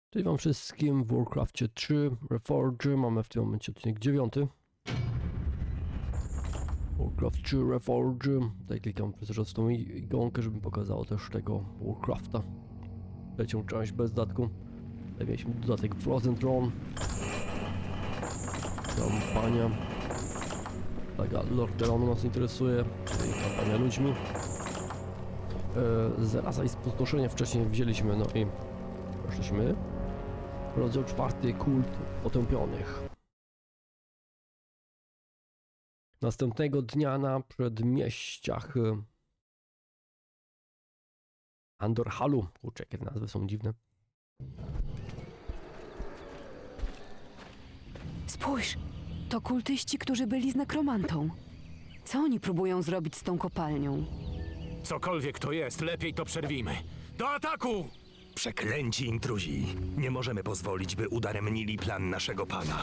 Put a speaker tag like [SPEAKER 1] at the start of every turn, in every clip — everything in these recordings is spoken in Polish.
[SPEAKER 1] Cześć wam wszystkim w Warcraftie 3 Reforge. Mamy w tym momencie odcinek 9. Warcraft 3 Reforge. Tutaj klikam przez tą ikonkę, żeby pokazało też tego Warcrafta. Trzecią część bez dodatku. Tutaj mieliśmy dodatek Frozen Throne. Kampania. Taka Lordaeron nas interesuje, czyli kampania ludźmi. Zaraza i spustoszenie wcześniej wzięliśmy, no i poszliśmy. Rozdział 4. Kult potępionych. Następnego dnia na przedmieściach Andorhalu. Kurczę, jakie nazwy są dziwne.
[SPEAKER 2] Spójrz, to kultyści, którzy byli z nekromantą. Co oni próbują zrobić z tą kopalnią?
[SPEAKER 3] Cokolwiek to jest, lepiej to przerwijmy. Do ataku!
[SPEAKER 4] Przeklęci intruzi. Nie możemy pozwolić, by udaremnili plan naszego pana.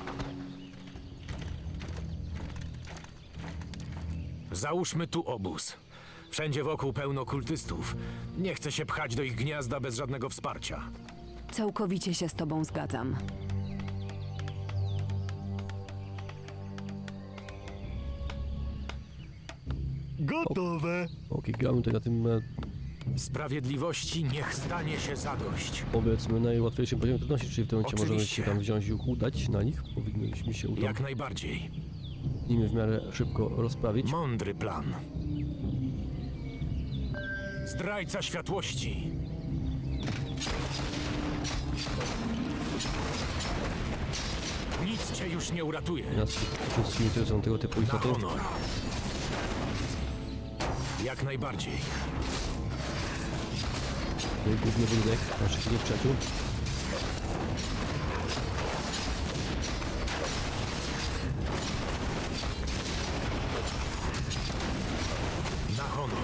[SPEAKER 3] Załóżmy tu obóz. Wszędzie wokół pełno kultystów. Nie chcę się pchać do ich gniazda bez żadnego wsparcia.
[SPEAKER 2] Całkowicie się z tobą zgadzam.
[SPEAKER 4] Gotowe!
[SPEAKER 1] Ok, gramy tutaj na tym
[SPEAKER 3] Sprawiedliwości niech stanie się zadość.
[SPEAKER 1] powiedzmy najłatwiejszym poziomie trudności, czyli w tym momencie możemy
[SPEAKER 3] Oczywiście.
[SPEAKER 1] się tam wziąć i udać na nich. Powinniśmy się udać
[SPEAKER 3] Jak najbardziej.
[SPEAKER 1] nimi w miarę szybko rozprawić.
[SPEAKER 3] Mądry plan. Zdrajca światłości. Nic cię już nie uratuje.
[SPEAKER 1] Nas wszystkim interesują tego typu
[SPEAKER 3] Na
[SPEAKER 1] istoty.
[SPEAKER 3] honor. Jak najbardziej.
[SPEAKER 1] Główny budynek naszych nieprzyjaciół.
[SPEAKER 3] Na honor.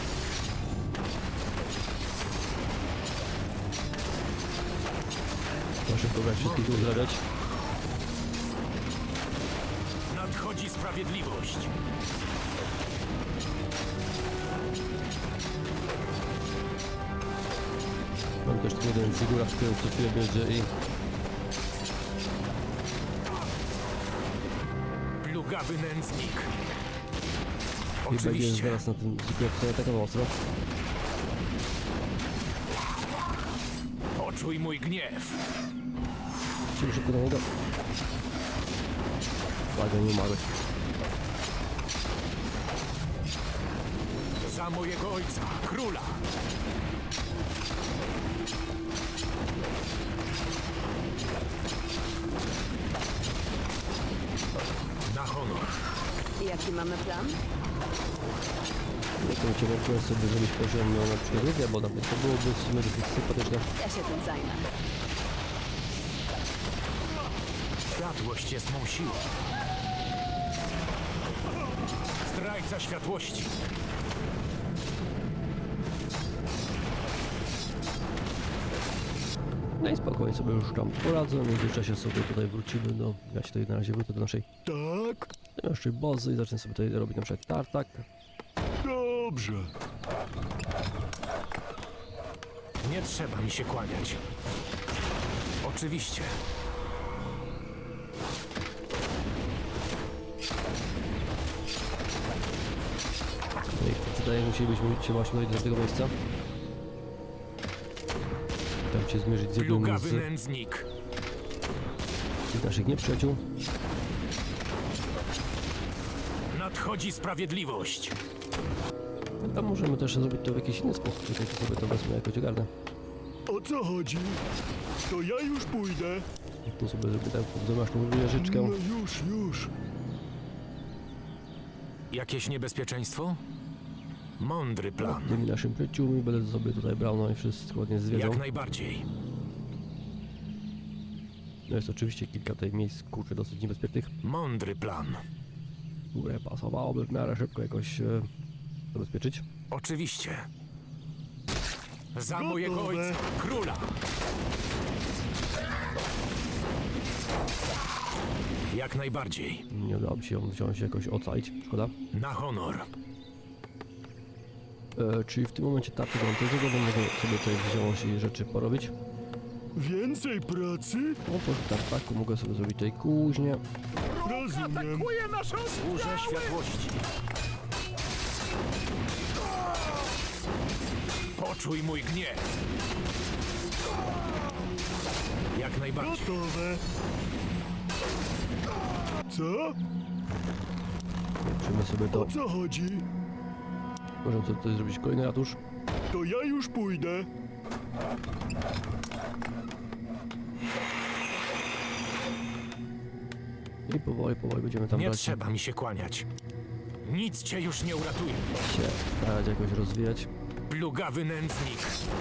[SPEAKER 1] Trzeba szybko brać wszystkich tu uzdrawiać.
[SPEAKER 3] Nadchodzi sprawiedliwość.
[SPEAKER 1] Mam też tu jeden zygura, który co chwilę bierze i
[SPEAKER 3] Plugawy nędznik.
[SPEAKER 1] będzie
[SPEAKER 3] Oczywiście.
[SPEAKER 1] zaraz na tym zygurze atakował ostro.
[SPEAKER 3] Poczuj mój gniew.
[SPEAKER 1] Czyli szybko do niego. Uwaga, nie umarły.
[SPEAKER 3] Za mojego ojca, króla. Na honor.
[SPEAKER 2] Jaki mamy plan?
[SPEAKER 1] Nie chcę cię włączyłem sobie zrobić poziom na przykład, bo nawet to byłoby w sumie dosyć sympatyczne.
[SPEAKER 2] Ja się tym zajmę.
[SPEAKER 3] Światłość jest mą siłą. Zdrajca światłości.
[SPEAKER 1] No i spokojnie sobie już tam poradzę, w międzyczasie sobie tutaj wrócimy do... Ja się tutaj na razie wrócę do naszej
[SPEAKER 4] Tak?
[SPEAKER 1] naszej bazy i zacznę sobie tutaj robić na przykład tartak.
[SPEAKER 4] Dobrze.
[SPEAKER 3] Nie trzeba mi się kłaniać. Oczywiście.
[SPEAKER 1] No i wydaje mi się, musielibyśmy się właśnie dojść do tego miejsca. Tam się zmierzyć z jednym
[SPEAKER 3] Plugawy
[SPEAKER 1] z
[SPEAKER 3] nędznik.
[SPEAKER 1] naszych nieprzyjaciół.
[SPEAKER 3] Nadchodzi sprawiedliwość.
[SPEAKER 1] No tam możemy też zrobić to w jakiś inny sposób, czekajcie sobie to wezmę jakoś ogarnę.
[SPEAKER 4] O co chodzi? To ja już pójdę.
[SPEAKER 1] Tu sobie zrobię tak, zamasz tą wieżyczkę.
[SPEAKER 4] No już.
[SPEAKER 3] Jakieś niebezpieczeństwo? Mądry plan.
[SPEAKER 1] Tymi naszymi przyjaciółmi będę sobie tutaj brał, no i wszystko ładnie zwiedzał.
[SPEAKER 3] Jak najbardziej.
[SPEAKER 1] No jest oczywiście kilka tutaj miejsc, kurczę, dosyć niebezpiecznych,
[SPEAKER 3] Mądry plan.
[SPEAKER 1] które pasowałoby w miarę szybko jakoś zabezpieczyć.
[SPEAKER 3] Oczywiście. Za
[SPEAKER 4] Gotowe.
[SPEAKER 3] mojego ojca, króla. Jak najbardziej.
[SPEAKER 1] Nie udało mi się ją wziąć jakoś ocalić, szkoda.
[SPEAKER 3] Na honor.
[SPEAKER 1] Czyli w tym momencie tarczy do tego będę sobie tutaj wziąć i rzeczy porobić.
[SPEAKER 5] Więcej pracy?
[SPEAKER 1] No to tak, mogę sobie zrobić tej kuźnię.
[SPEAKER 5] Rozumiem.
[SPEAKER 3] Służę światłości. Poczuj mój gniew. Jak najbardziej.
[SPEAKER 5] Gotowe. Co?
[SPEAKER 1] Zobaczymy sobie to.
[SPEAKER 5] O co chodzi?
[SPEAKER 1] Możemy sobie tutaj zrobić kolejny ratusz.
[SPEAKER 5] To ja już pójdę.
[SPEAKER 1] I powoli będziemy tam
[SPEAKER 3] Nie
[SPEAKER 1] brać
[SPEAKER 3] trzeba mi się kłaniać. Nic cię już nie uratuje.
[SPEAKER 1] się starać jakoś rozwijać.
[SPEAKER 3] Plugawy nędznik.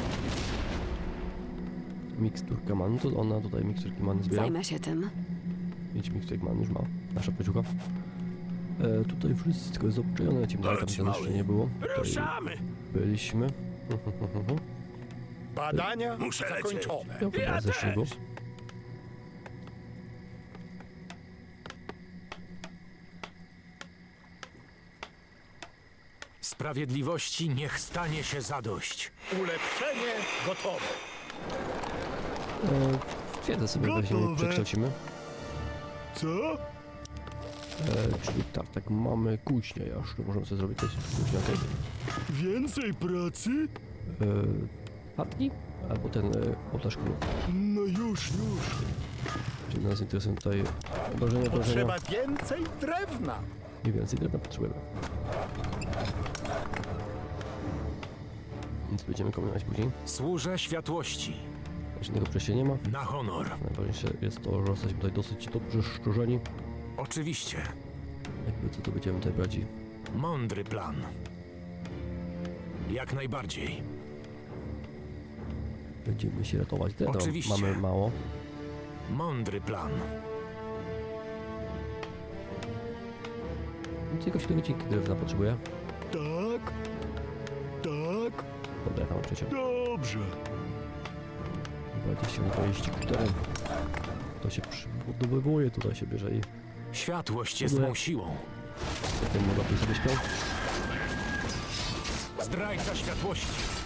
[SPEAKER 1] Miksturka man, to ona tutaj miksturki man zbiera.
[SPEAKER 2] Zajmę się tym.
[SPEAKER 1] 5 miksturek man już ma, nasza peciucha. Tutaj wszystko jest obczajone, lecimy dalej, tam
[SPEAKER 5] Chodź,
[SPEAKER 1] to jeszcze
[SPEAKER 5] mały.
[SPEAKER 1] nie było. Tutaj
[SPEAKER 5] Ruszamy.
[SPEAKER 1] byliśmy.
[SPEAKER 5] Badania zakończone.
[SPEAKER 1] Ja chyba ze śniegu.
[SPEAKER 3] Sprawiedliwości niech stanie się zadość.
[SPEAKER 5] Ulepszenie gotowe.
[SPEAKER 1] Twierdzę sobie weźmiemy i
[SPEAKER 5] Gotowe.
[SPEAKER 1] przekształcimy.
[SPEAKER 5] Co?
[SPEAKER 1] Czyli tak mamy kuźnię jeszcze, możemy sobie zrobić coś kuźnia, okej.
[SPEAKER 5] Więcej pracy?
[SPEAKER 1] Chatki? Albo ten ołtarz królu.
[SPEAKER 5] No już.
[SPEAKER 1] Czyli nas interesują tutaj obrażenia.
[SPEAKER 5] więcej drewna.
[SPEAKER 1] Mniej więcej drewna potrzebujemy. Więc będziemy kombinować później.
[SPEAKER 3] Służę światłości.
[SPEAKER 1] Żadnego przejścia nie ma.
[SPEAKER 3] Na honor.
[SPEAKER 1] Najważniejsze jest to, że jesteśmy tutaj dosyć dobrze szczurzeni.
[SPEAKER 3] Oczywiście.
[SPEAKER 1] Jakby co to będziemy tutaj brać i
[SPEAKER 3] Mądry plan. Jak najbardziej.
[SPEAKER 1] będziemy się ratować. Drewna
[SPEAKER 3] Oczywiście.
[SPEAKER 1] mamy mało.
[SPEAKER 3] Mądry plan.
[SPEAKER 1] Więc jakoś tego dzięki drewna potrzebuję.
[SPEAKER 5] Tak.
[SPEAKER 1] Dobra, tam przecież.
[SPEAKER 5] Dobrze.
[SPEAKER 1] 24. To się przybudowywuje, tutaj się bierze i
[SPEAKER 3] Światłość jest mą siłą.
[SPEAKER 1] potem mogę sobie śpią.
[SPEAKER 3] Zdrajca światłości.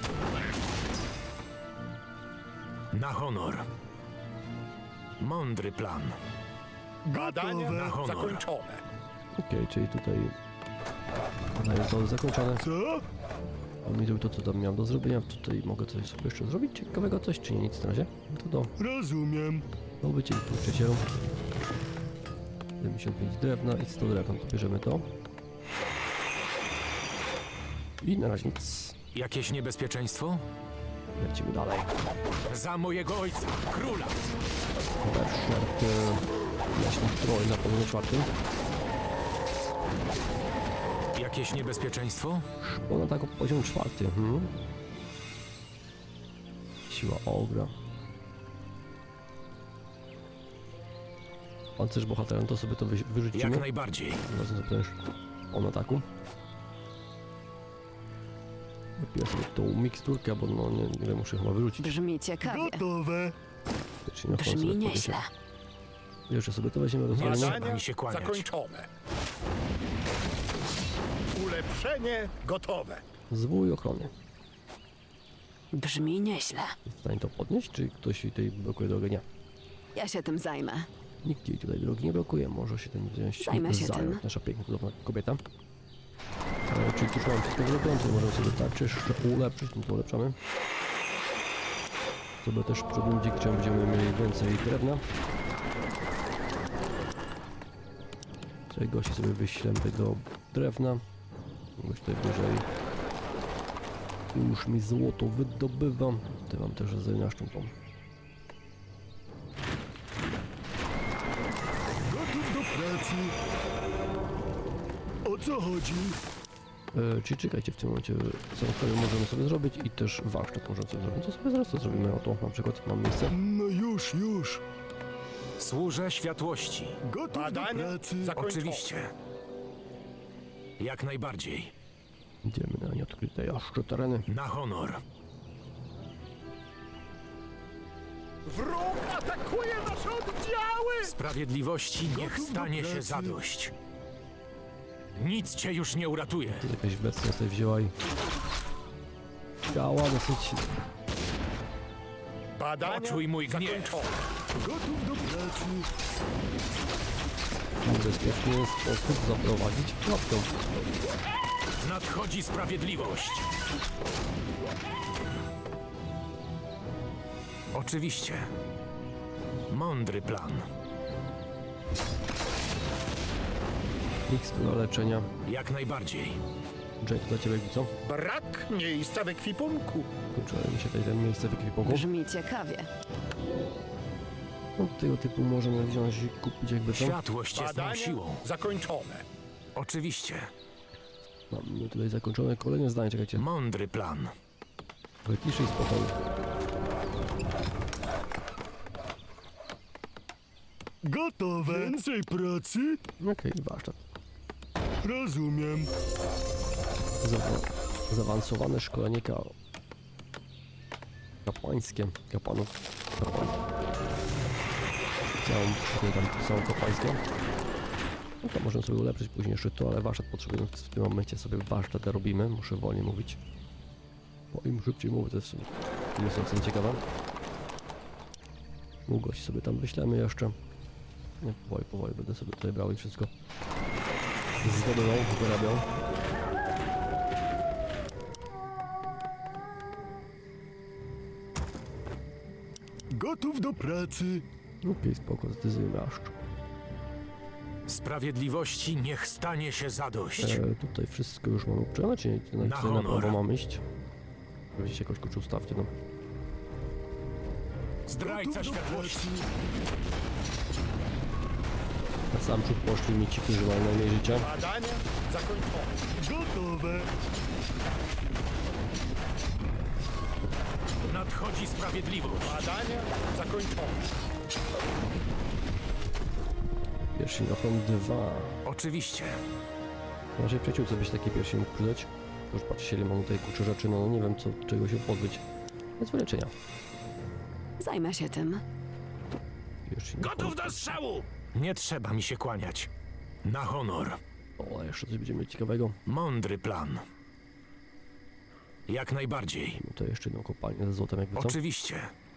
[SPEAKER 3] Na honor. Mądry plan.
[SPEAKER 5] Badania
[SPEAKER 3] Na honor.
[SPEAKER 1] Okej, czyli tutaj badania zostały zakończone.
[SPEAKER 5] Co?
[SPEAKER 1] On mi zrobił to, co tam miałem do zrobienia. Tutaj mogę coś sobie jeszcze zrobić ciekawego, coś, czy nie, nic na razie. No to
[SPEAKER 5] Rozumiem.
[SPEAKER 1] do bycie tu 75 drewna i 100 drewna, to bierzemy to. I na razie nic.
[SPEAKER 3] Jakieś niebezpieczeństwo?
[SPEAKER 1] Lecimy dalej.
[SPEAKER 3] Za mojego ojca, króla.
[SPEAKER 1] Berserk, jaśny stroj na poziomie 4.
[SPEAKER 3] Jakieś niebezpieczeństwo?
[SPEAKER 1] Szpona tak o poziom 4. Siła ogra. Pancerz bohaterem, to sobie to wyrzucimy.
[SPEAKER 3] Jak najbardziej.
[SPEAKER 1] Zaraz sobie też on ataku. Wypiję sobie tą miksturkę, bo no nie wiem, muszę chyba wyrzucić.
[SPEAKER 2] Brzmi ciekawie.
[SPEAKER 5] Gotowe.
[SPEAKER 1] Wiecznie na
[SPEAKER 2] Brzmi
[SPEAKER 1] końcu
[SPEAKER 2] nieźle.
[SPEAKER 1] jeszcze sobie to weźmiemy do
[SPEAKER 3] Nie
[SPEAKER 1] zrobienia.
[SPEAKER 3] trzeba mi się kłaniać.
[SPEAKER 5] Ulepszenie gotowe.
[SPEAKER 1] Zwój ochrony.
[SPEAKER 2] Brzmi nieźle.
[SPEAKER 1] Jest w stanie to podnieść, czy ktoś jej tutaj blokuje drogę? Nie.
[SPEAKER 2] Ja się tym zajmę.
[SPEAKER 1] Nikt jej tutaj drogi nie blokuje, może się tym wziąć.
[SPEAKER 2] Zajmę się tym.
[SPEAKER 1] Nasza piękna, cudowna kobieta. Czyli tu już mamy wszystko zrobione, to możemy sobie tak jeszcze ulepszyć, no to ulepszamy. Sobie też przebudzić, gdzie będziemy mieli więcej drewna. Tutaj gości sobie wyślemy tego drewna. Gość tutaj wyżej. Już mi złoto wydobywa. Tutaj mam też zajmiaszczą tą.
[SPEAKER 5] Gotów do pracy. O co chodzi?
[SPEAKER 1] Czyli czekajcie, w tym momencie samochody możemy sobie zrobić i też warsztat możemy sobie zrobić. To sobie zaraz to zrobimy. Oto na przykład mam miejsce.
[SPEAKER 5] No już.
[SPEAKER 3] Służę światłości.
[SPEAKER 5] Gotów do pracy.
[SPEAKER 3] Oczywiście. Jak najbardziej.
[SPEAKER 1] Idziemy na nieodkryte jeszcze tereny.
[SPEAKER 3] Na honor.
[SPEAKER 5] Wróg atakuje nasze oddziały!
[SPEAKER 3] Sprawiedliwości niech
[SPEAKER 5] Gotów do
[SPEAKER 3] stanie się
[SPEAKER 5] pracy.
[SPEAKER 3] zadość. Nic cię już nie uratuje.
[SPEAKER 1] Tu jakaś bestia sobie wzięła i... Działa dosyć...
[SPEAKER 5] Badania
[SPEAKER 3] Poczuj mój gniew.
[SPEAKER 5] zakończone. Gotów do pracy.
[SPEAKER 1] Bezpieczny sposób zaprowadzić klapkę.
[SPEAKER 3] Nadchodzi sprawiedliwość. Oczywiście. Mądry plan.
[SPEAKER 1] Mikstura leczenia.
[SPEAKER 3] Jak najbardziej.
[SPEAKER 1] Jake, dla ciebie co?
[SPEAKER 5] Brak miejsca w ekwipunku.
[SPEAKER 1] Kończyło mi się tutaj miejsce w ekwipunku.
[SPEAKER 2] Brzmi ciekawie.
[SPEAKER 1] No, tego typu możemy wziąć i kupić jakby co.
[SPEAKER 3] Światłość jest mą
[SPEAKER 5] Badania
[SPEAKER 3] siłą.
[SPEAKER 5] zakończone.
[SPEAKER 3] Oczywiście.
[SPEAKER 1] Mamy tutaj zakończone kolejne zdanie, czekajcie.
[SPEAKER 3] Mądry plan.
[SPEAKER 1] Ale ciszy i spokoju.
[SPEAKER 5] Gotowe. Więcej pracy?
[SPEAKER 1] Okej, warsztat.
[SPEAKER 5] Rozumiem.
[SPEAKER 1] Zaawansowane szkolenie kapłańskie. Kapłanów. Kapłan. Całą kapłańską. No to możemy sobie ulepszyć później jeszcze to, ale warsztat potrzebujemy w tym momencie sobie warsztat robimy. Muszę wolniej mówić. Bo im szybciej mówię, to jest ocena ciekawa. Długość sobie tam wyślemy jeszcze. Nie, powoli będę sobie tutaj brał i wszystko zdobywał, wyrabiał.
[SPEAKER 5] Gotów do pracy.
[SPEAKER 1] Okej, spoko, zdecyzujmy aż.
[SPEAKER 3] Sprawiedliwości niech stanie się zadość.
[SPEAKER 1] Tutaj wszystko już mamy uprzedzone, czy nie?
[SPEAKER 3] Na
[SPEAKER 1] Na
[SPEAKER 3] honor.
[SPEAKER 1] prawo mamy iść. Weźcie jakoś kurczę ustawcie, no.
[SPEAKER 3] Zdrajca światłości.
[SPEAKER 1] Na sam przód poszli mi ci, którzy mają najmniej życia.
[SPEAKER 5] Badania zakończone. Gotowe.
[SPEAKER 3] Nadchodzi sprawiedliwość.
[SPEAKER 5] Badania zakończone.
[SPEAKER 1] Pierścień ochron 2.
[SPEAKER 3] Oczywiście.
[SPEAKER 1] Naszej przyjaciółce byś taki pierścień mógł przydać. To już patrzcie, ile mam tutaj kurczę rzeczy, no nie wiem czego się pozbyć. Więc wyleczenia.
[SPEAKER 2] Zajmę się tym.
[SPEAKER 1] Pierścień
[SPEAKER 3] Gotów do strzału! Nie trzeba mi się kłaniać. Na honor.
[SPEAKER 1] O, a jeszcze coś będziemy mieć ciekawego.
[SPEAKER 3] Mądry plan. Jak najbardziej.
[SPEAKER 1] No to jeszcze jedną kopalnię ze złotem jakby co.
[SPEAKER 3] Oczywiście.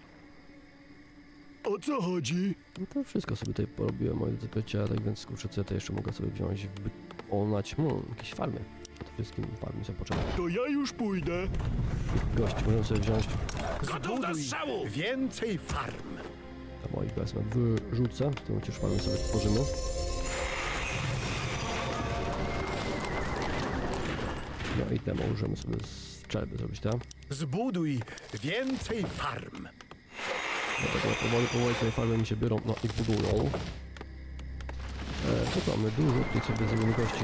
[SPEAKER 5] O co chodzi?
[SPEAKER 1] No to wszystko sobie tutaj porobiłem, moi drodzy przyjaciele, tak więc kurczę, co ja to jeszcze mogę sobie wziąć, wykonać, jakieś farmy. To wszystkim farmy są potrzebne.
[SPEAKER 5] To ja już pójdę.
[SPEAKER 1] Gości możemy sobie wziąć,
[SPEAKER 3] Gotów do strzału!
[SPEAKER 5] Więcej farm.
[SPEAKER 1] a moich wezmę, wyrzucę, w tym momencie już farmy sobie tworzymy. No i te możemy sobie strzelby zrobić, tak?
[SPEAKER 5] Zbuduj więcej farm.
[SPEAKER 1] Dlatego powoli te farmy mi się biorą, no i budują. Co tu mamy? Dużo, tutaj sobie zrobimy gości.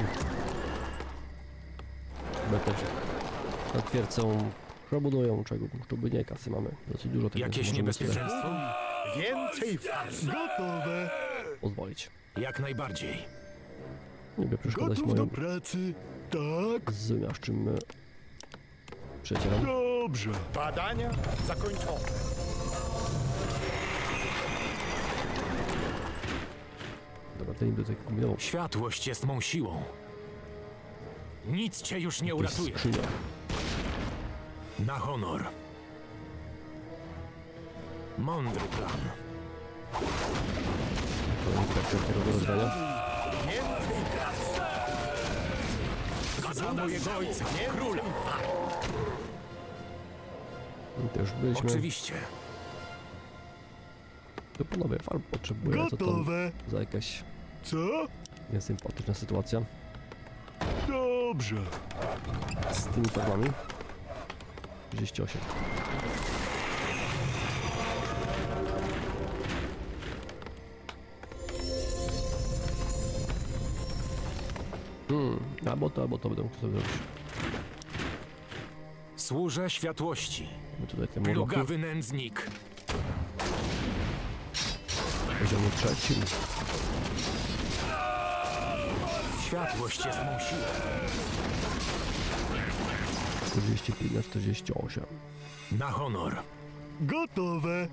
[SPEAKER 1] Chyba też na twierdzą przebudują czego, żeby nie kasy mamy. Dosyć dużo tego,
[SPEAKER 3] Jakieś
[SPEAKER 1] możemy
[SPEAKER 3] niebezpieczeństwo?
[SPEAKER 5] Więcej farm. Gotowe.
[SPEAKER 1] sobie pozwolić.
[SPEAKER 3] Jak najbardziej.
[SPEAKER 1] Nie by przeszkadzać
[SPEAKER 5] Gotów do
[SPEAKER 1] moim
[SPEAKER 5] pracy. Tak.
[SPEAKER 1] zwymiaszczym przyjacielom.
[SPEAKER 5] Dobrze. Badania zakończone.
[SPEAKER 1] Dobra, ten niby tutaj kombinował.
[SPEAKER 3] Światłość jest mą siłą. Nic cię już nie uratuje.
[SPEAKER 1] Skrzynia.
[SPEAKER 3] Na honor. Mądry plan.
[SPEAKER 1] Kolejny traktor tego rozdania.
[SPEAKER 5] Więcej farm.
[SPEAKER 3] Za mojego ojca, króla.
[SPEAKER 1] I to już byliśmy.
[SPEAKER 3] Oczywiście.
[SPEAKER 1] To panowie farm potrzebuje, co to
[SPEAKER 5] Gotowe.
[SPEAKER 1] za jakaś
[SPEAKER 5] Co?
[SPEAKER 1] niesympatyczna sytuacja
[SPEAKER 5] Dobrze.
[SPEAKER 1] z tymi farmami. 38. Albo to będę mógł sobie zrobić.
[SPEAKER 3] Służę światłości.
[SPEAKER 1] Mamy tutaj te moloki.
[SPEAKER 3] Plugawy nędznik.
[SPEAKER 1] W poziomie 3.
[SPEAKER 3] Światłość jest mą siłą.
[SPEAKER 1] 45 na 48.
[SPEAKER 3] Na honor.
[SPEAKER 5] Gotowe.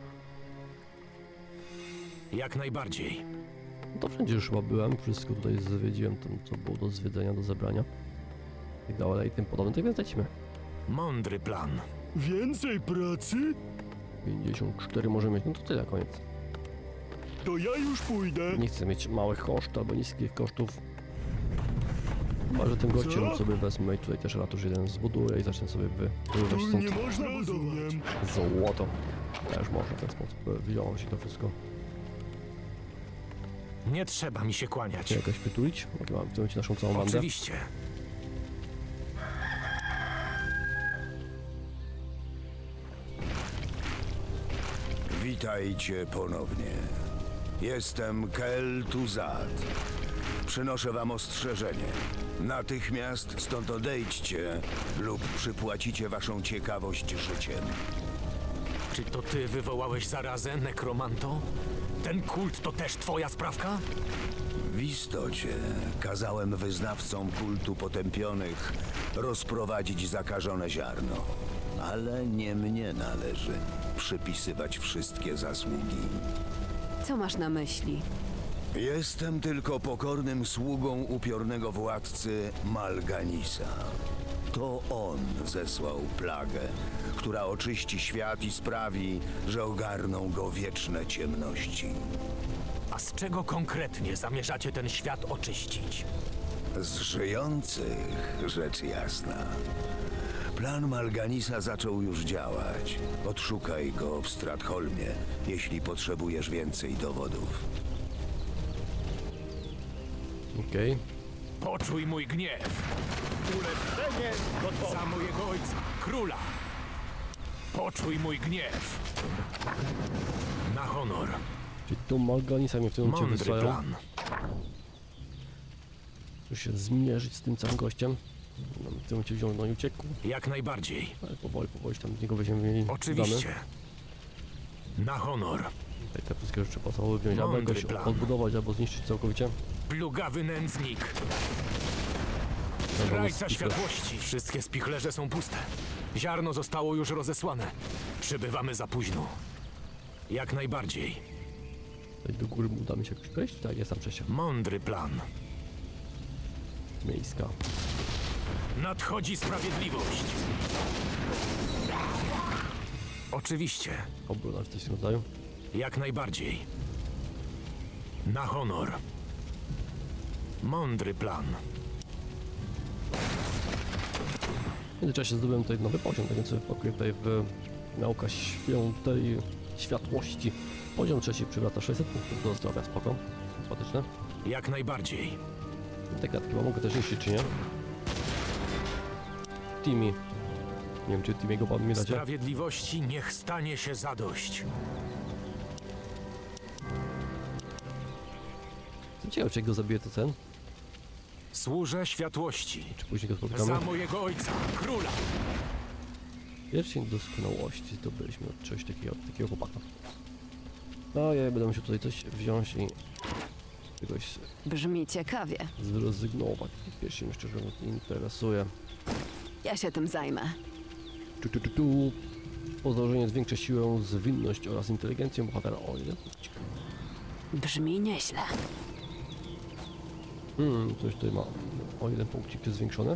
[SPEAKER 3] Jak najbardziej.
[SPEAKER 1] No to wszędzie już chyba byłem, wszystko tutaj zwiedziłem, tam co było do zwiedzenia, do zebrania. I dalej i tym podobne, tak więc lecimy.
[SPEAKER 3] Mądry plan.
[SPEAKER 5] Więcej pracy?
[SPEAKER 1] 54 możemy mieć, no to tyle, koniec.
[SPEAKER 5] To ja już pójdę.
[SPEAKER 1] Nie chcę mieć małych kosztów albo niskich kosztów. Chyba, że tym gościem
[SPEAKER 5] Co?
[SPEAKER 1] sobie wezmę i tutaj też ratusz jeden zbuduję i zacznę sobie wywoływać
[SPEAKER 5] Tu
[SPEAKER 1] stąd
[SPEAKER 5] nie można budować.
[SPEAKER 1] złoto. Też można w ten sposób wziąłem się to wszystko.
[SPEAKER 3] Nie trzeba mi się kłaniać.
[SPEAKER 1] Czy jakoś pytulić? Jak mam w tym momencie naszą całą bandę?
[SPEAKER 3] Oczywiście.
[SPEAKER 6] Witajcie ponownie. Jestem Kel Tuzad. Przynoszę wam ostrzeżenie. Natychmiast stąd odejdźcie lub przypłacicie waszą ciekawość życiem.
[SPEAKER 3] Czy to ty wywołałeś zarazę, nekromanto? Ten kult to też twoja sprawka?
[SPEAKER 6] W istocie kazałem wyznawcom kultu potępionych rozprowadzić zakażone ziarno. Ale nie mnie należy przypisywać wszystkie zasługi.
[SPEAKER 2] Co masz na myśli?
[SPEAKER 6] Jestem tylko pokornym sługą upiornego władcy Malganisa. To on zesłał plagę, która oczyści świat i sprawi, że ogarną go wieczne ciemności.
[SPEAKER 3] A z czego konkretnie zamierzacie ten świat oczyścić?
[SPEAKER 6] Z żyjących, rzecz jasna. Plan Malganisa zaczął już działać. Odszukaj go w Stratholmie, jeśli potrzebujesz więcej dowodów.
[SPEAKER 1] Okej.
[SPEAKER 3] Poczuj mój gniew!
[SPEAKER 5] Ulepszenie gotowe.
[SPEAKER 3] Za mojego ojca, króla! Poczuj mój gniew! Na honor.
[SPEAKER 1] Czyli tu Malganisa mnie w tym momencie
[SPEAKER 3] Mądry
[SPEAKER 1] wysłają.
[SPEAKER 3] plan.
[SPEAKER 1] Muszę się zmierzyć z tym całym gościem. No, w tym momencie wziął, no i uciekł.
[SPEAKER 3] Jak najbardziej.
[SPEAKER 1] Ale powoli się tam z niego będziemy mieli
[SPEAKER 3] Oczywiście. Na honor.
[SPEAKER 1] Tutaj te wszystkie rzeczy podstawowe wziąć, albo
[SPEAKER 3] Mądry
[SPEAKER 1] jakoś
[SPEAKER 3] plan.
[SPEAKER 1] odbudować, albo zniszczyć całkowicie.
[SPEAKER 3] Plugawy nędznik.
[SPEAKER 1] Albo
[SPEAKER 3] Zdrajca
[SPEAKER 1] spichler.
[SPEAKER 3] światłości. Wszystkie spichlerze są puste. Ziarno zostało już rozesłane. Przybywamy za późno. Jak najbardziej.
[SPEAKER 1] Tutaj do góry uda mi się jakoś przejść? Tak, jest tam przejście.
[SPEAKER 3] Mądry plan.
[SPEAKER 1] Miejska.
[SPEAKER 3] Nadchodzi sprawiedliwość. Oczywiście.
[SPEAKER 1] Obrona czy coś w tym rodzaju.
[SPEAKER 3] Jak najbardziej. Na honor. Mądry plan.
[SPEAKER 1] W międzyczasie zdobyłem tutaj nowy poziom, tak więc sobie wpakuję tutaj w nauka świętej światłości. Poziom trzeci przywraca 600 punktów do zdrowia, spoko. Sympatyczne.
[SPEAKER 3] Jak najbardziej.
[SPEAKER 1] Te klatki chyba mogę też niszczyć, czy nie? Timmy. Nie wiem, czy Timmy'ego pamiętacie?
[SPEAKER 3] Sprawiedliwości niech stanie się zadość.
[SPEAKER 1] Ciekawe, czy jak go zabiję, to ten?
[SPEAKER 3] Służę światłości.
[SPEAKER 1] Czy później go spotkamy?
[SPEAKER 3] Za mojego ojca, króla.
[SPEAKER 1] Pierścień doskonałości zdobyliśmy od czegoś takiego chłopaka. No ja będę musiał tutaj coś wziąć i czegoś
[SPEAKER 2] Brzmi ciekawie.
[SPEAKER 1] zrezygnować. Pierścień mnie szczerze mówiąc nie interesuje.
[SPEAKER 2] Ja się tym zajmę.
[SPEAKER 1] Tu. Podłożenie zwiększa siłę, zwinność oraz inteligencję bohatera. O ile?
[SPEAKER 2] Brzmi nieźle.
[SPEAKER 1] Coś tutaj ma. O jeden punkcik jest zwiększony.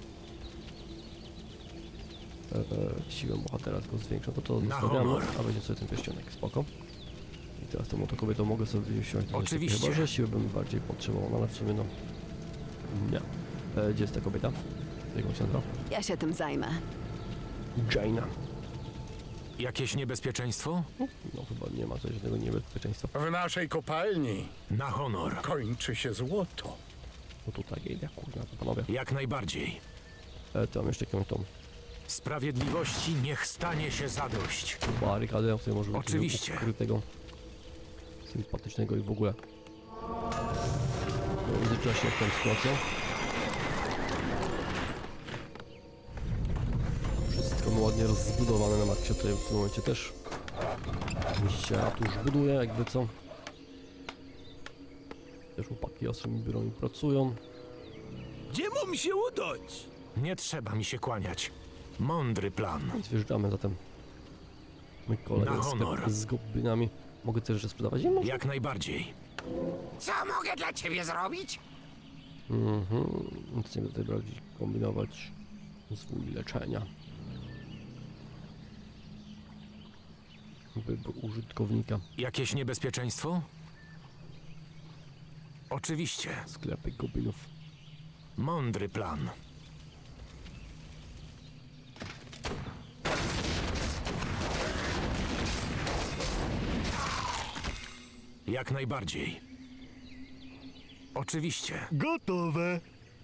[SPEAKER 1] Siłę bohatera tylko zwiększa. To
[SPEAKER 3] Na
[SPEAKER 1] zostawiamy,
[SPEAKER 3] honor.
[SPEAKER 1] a będzie sobie ten pierścionek. Spoko. I teraz tą oto kobietą mogę sobie wsiąść. do
[SPEAKER 3] Oczywiście.
[SPEAKER 1] Chyba, że siły bym bardziej potrzebował, no ale w sumie no... Nie. Gdzie jest ta kobieta? Jak on się nazywa?
[SPEAKER 2] Ja się tym zajmę.
[SPEAKER 1] Jaina.
[SPEAKER 3] Jakieś niebezpieczeństwo?
[SPEAKER 1] No chyba nie ma tutaj żadnego niebezpieczeństwa.
[SPEAKER 5] W naszej kopalni
[SPEAKER 3] Na honor.
[SPEAKER 5] kończy się złoto.
[SPEAKER 1] No tutaj idę, kurna, to panowie.
[SPEAKER 3] Jak najbardziej.
[SPEAKER 1] To mam jeszcze jakąś tą
[SPEAKER 3] Sprawiedliwości niech stanie się zadość.
[SPEAKER 1] barykadę, o której może być
[SPEAKER 3] Oczywiście.
[SPEAKER 1] ukrytego, sympatycznego i w ogóle. No, w międzyczasie jak tam sytuacja. Wszystko mi ładnie rozbudowane na maksie, tutaj w tym momencie też. Się tuż buduje, jakby co. Też chłopaki ostrymi biurami pracują.
[SPEAKER 4] Gdzie mam się udać?
[SPEAKER 3] Nie trzeba mi się kłaniać. Mądry plan.
[SPEAKER 1] Więc wjeżdżamy zatem. Mój kolega
[SPEAKER 3] Na honor.
[SPEAKER 1] z goblinami. Mogę też jeszcze sprzedawać? Nie mogę.
[SPEAKER 3] Jak najbardziej.
[SPEAKER 7] Co mogę dla ciebie zrobić?
[SPEAKER 1] Nic nie będę tutaj brać, kombinować swój leczenia. Wybór użytkownika.
[SPEAKER 3] Jakieś niebezpieczeństwo? Oczywiście.
[SPEAKER 1] Sklepy goblinów.
[SPEAKER 3] Mądry plan. Jak najbardziej. Oczywiście.
[SPEAKER 4] Gotowe.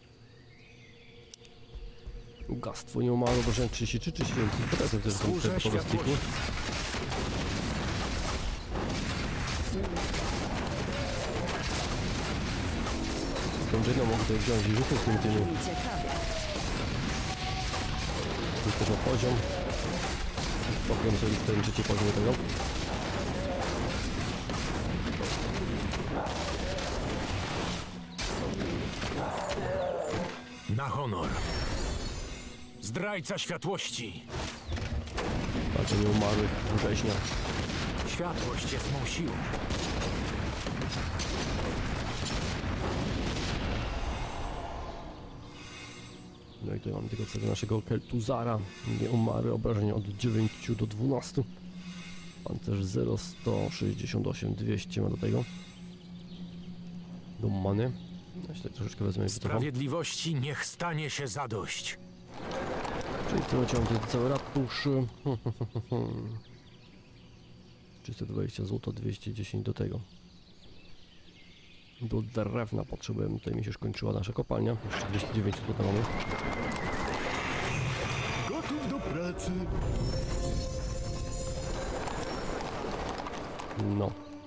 [SPEAKER 1] Bogactwo nie umarło, bo 33, 37. Potem też są
[SPEAKER 3] Służę
[SPEAKER 1] te
[SPEAKER 3] światłości.
[SPEAKER 1] stiku. Tą Jane'ą mogę tutaj wziąć i rzucę z tymi.
[SPEAKER 2] Ciekawie.
[SPEAKER 1] Jest też o poziom. Pokryłem sobie ten trzeci poziom do tego.
[SPEAKER 3] Na honor. Zdrajca światłości.
[SPEAKER 1] Patrzę nieumarłych września.
[SPEAKER 3] Światłość jest mą siłą.
[SPEAKER 1] No i tutaj mamy tego celu naszego Keltuzara. Nieumarły, obrażenia od 9 do 12. Pancerz 0, 168, 200 ma do tego. Do many. Ja się tutaj troszeczkę wezmę i wycofam.
[SPEAKER 3] Sprawiedliwości niech stanie się zadość.
[SPEAKER 1] Czyli to mam tutaj cały ratusz. 320 zł, 210 do tego. Do drewna potrzebujemy, tutaj mi się już kończyła nasza kopalnia. Jeszcze 209 tutaj mamy.
[SPEAKER 4] Gotów do pracy.
[SPEAKER 1] No.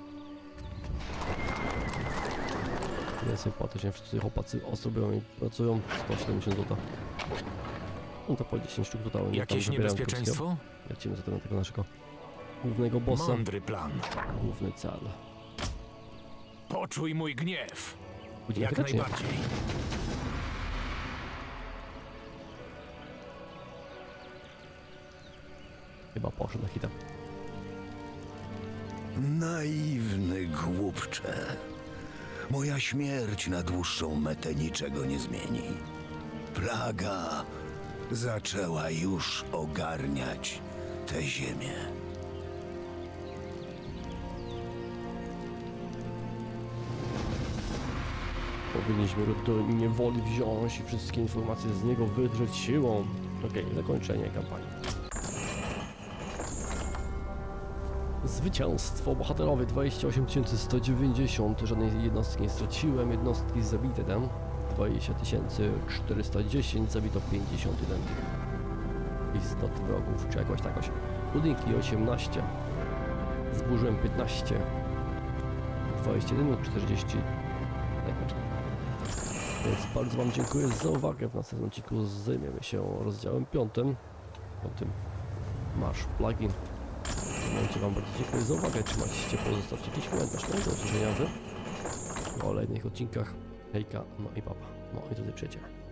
[SPEAKER 1] Więcej płaty się wszyscy chłopacy osobią i pracują. 170 zł. No to po 10 sztuk tutaj.
[SPEAKER 3] Jakieś niebezpieczeństwo?
[SPEAKER 1] Lecimy zatem na tego naszego głównego bossa.
[SPEAKER 3] Mądry plan.
[SPEAKER 1] Główny cel.
[SPEAKER 3] Poczuj mój gniew.
[SPEAKER 1] Pójdziemy
[SPEAKER 3] Jak
[SPEAKER 1] chyba, czy nie?
[SPEAKER 3] najbardziej.
[SPEAKER 1] Chyba poszedł na hita.
[SPEAKER 6] Naiwny głupcze. Moja śmierć na dłuższą metę niczego nie zmieni. Plaga zaczęła już ogarniać tę ziemię.
[SPEAKER 1] Powinniśmy go do niewoli wziąć i wszystkie informacje z niego wydrzeć siłą. Okej, zakończenie kampanii. Zwycięstwo bohaterowie 28 190. Żadnej jednostki nie straciłem. Jednostki zabite tam 20 410. Zabito 51 istot wrogów, czy jakoś takoś. Budynki 18. Zburzyłem 15. 21 minut 40 sekund. Więc bardzo wam dziękuję za uwagę. W następnym odcinku zajmiemy się rozdziałem 5. O tym masz plugin. W tym momencie wam bardzo dziękuję za uwagę. Trzymajcie się ciepło, zostawcie jakiś komentarz. No i do usłyszenia w kolejnych odcinkach. Hejka, no i papa. No i drodzy przyjaciele.